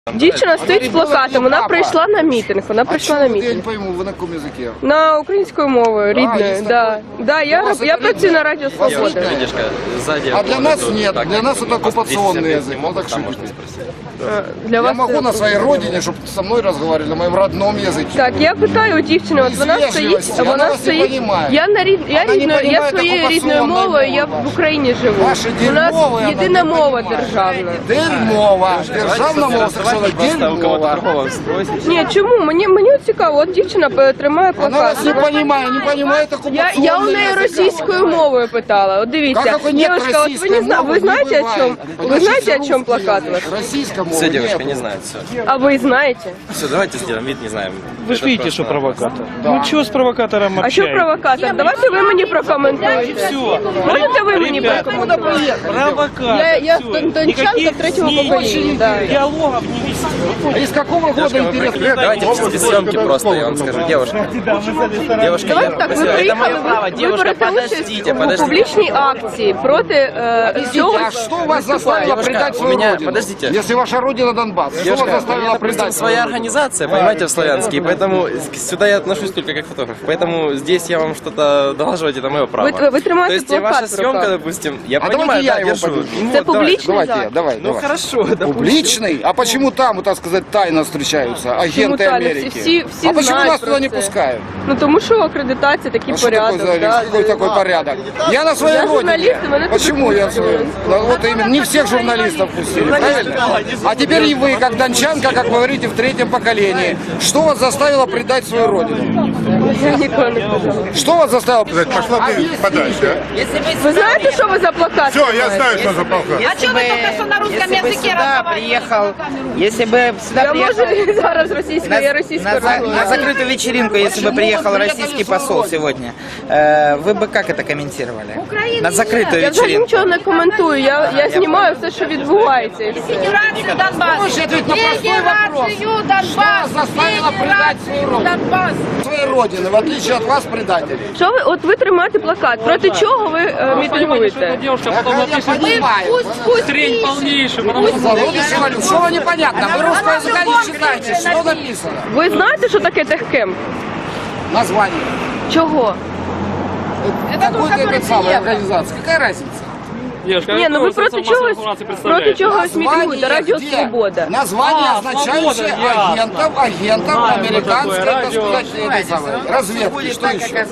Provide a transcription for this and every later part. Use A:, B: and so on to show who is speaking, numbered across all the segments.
A: Дівчина стоїть з плакатом, вона прийшла на мітинг,
B: Я не пойму, ви на якому язикі?
A: На українською мовою, рідною, да. Я працюю на Радіо Свобода.
B: А для нас нет, для нас это оккупационный язык. Ну так шутите. Я могу на своей родине, чтобы со мной разговаривали на моем родном языке.
A: Так, я питаю у дівчини, от вона стоїть, я своєю рідною мовою, я в Україні живу. У нас єдина мова державна.
B: Дерьмова. Державна мова совершенно дерьмова.
A: Ні, чому? Мені цікаво, от дівчина тримає
B: Она
A: плакат.
B: вас не понимает оккупационный
A: Я у неї
B: язык.
A: російською мовою питала. От дивіться,
B: Как нет
A: девушка, от
B: российской мовы,
A: ви знаєте,
B: не
A: о чому?
B: бывает.
A: Ви знаєте, о
B: Русский
A: чому плакат
B: язык.
A: ваш?
B: Российская мова
C: Все, девушка,
B: нет.
C: не знает, все.
A: А ви знаєте?
C: Все, давайте сделаем вид, не знаем.
D: Вы же видите, что провокатор.
B: Да.
D: Ну чего с провокатором
A: А що
D: общаетесь?
A: провокатор? Давайте ви мені прокоментуєте.
D: Все.
A: Можете ви мені
D: Ребята,
A: прокоментуєте?
D: провокатор.
A: Я
D: всё.
A: дончанка
D: Никаких
A: третьего
D: с ней
A: поколения, да.
D: диалогов не вести.
B: А из какого года интересно?
C: Давайте без съемки просто, я вам скажу. Девушка, девушка,
A: Давайте так, ви
C: это мое
A: приїхали,
C: право.
A: ви
C: Девушка,
A: берете участь
C: подождите,
A: у
C: подождите.
A: публічній акції проти цього.
B: А что вас заставило
C: Девушка,
B: предать
C: у
B: свою
C: меня-
B: родину?
C: подождите.
B: Если ваша родина Донбасс, что вас
C: Девушка, у
B: заставило
C: меня, допустим,
B: предать
C: своя
B: свою родину?
C: организация, понимаете, в Славянске, и поэтому сюда я отношусь только как фотограф. Поэтому здесь я вам что-то доложивать, это мое право.
A: Вы тримаете
C: То есть
A: плакат
C: ваша
A: в
C: съемка,
A: руках.
C: допустим, я
B: А
C: понимаю,
B: давайте я
C: да,
B: его
C: держу.
B: подержу.
C: Ну,
A: Это
C: вот, давайте.
A: публичный
B: Давайте
A: зал.
B: я, давай.
C: Ну хорошо, допустим.
B: Публичный? А почему там, так сказать, тайно встречаются агенты
A: тайно?
B: Америки?
A: Всі
B: А почему
A: знають
B: нас
A: про
B: туда не
A: це.
B: пускают?
A: Ну тому що акредитація, такий
B: А что такое,
A: порядок. да.
B: какой такой порядок? Я на своей
A: Я
B: родине.
A: журналист, и вы
B: Почему я своей? Вот именно, не всех журналистов пустили, правильно? А теперь и вы, как дончанка, как вы говорите, в третьем поколении. Что вас заставило предать свою родину?
A: Я ніколи не казала.
B: Что вас заставило?
E: Пошла ты подальше,
A: Ви знаєте, що ви за плакат?
E: Все, я
A: тримаєте?
E: знаю, что за полка.
F: А что вы только что на русском языке
G: приехал, если бы сюда
A: Я
G: приехал
A: можу зараз російською, я російською
G: на
A: розмовляю.
G: закрытую вечеринку, если бы приехал российский посол сегодня, вы бы как это комментировали? На закрытую
A: Я взагалі
G: вечеринку.
A: нічого не коментую, я знімаю все, що відбувається. і все.
F: Федерацию Донбасс.
B: Можете ответить на простой вопрос.
F: Федерацию Донбасс.
B: Что заставило предать свою родину?
F: Донбасс.
B: Своей родины, в отличие от вас, предателей.
A: Що ви, от ви тримаєте плакат, проти чого ви мітингуєте?
B: Я понимаю.
F: Пусть трень полнейший,
B: Что вы непонятно? Вы русского языка не читаете. Что написано?
A: Ви знаєте, що таке техкем?
B: Название.
A: Чого?
B: Какой-то это самая организация. Какая разница?
A: Ні, ну ви проти чогось мітингуєте, Радіо
B: где?
A: Свобода.
B: Название, означающее агентов американской, так сказать, этой самой разведки. Что еще?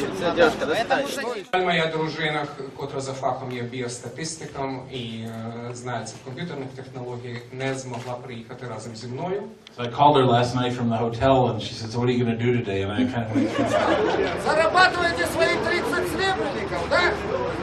H: Моя дружина, котра за фахом є біостатистиком і знається в комп'ютерних технологіях, не змогла приїхати разом зі мною.
I: So I called her last night from the hotel and she said, so what are you going to do today? And I kind of went,
B: Зарабатываете свои 30 серебряников, да?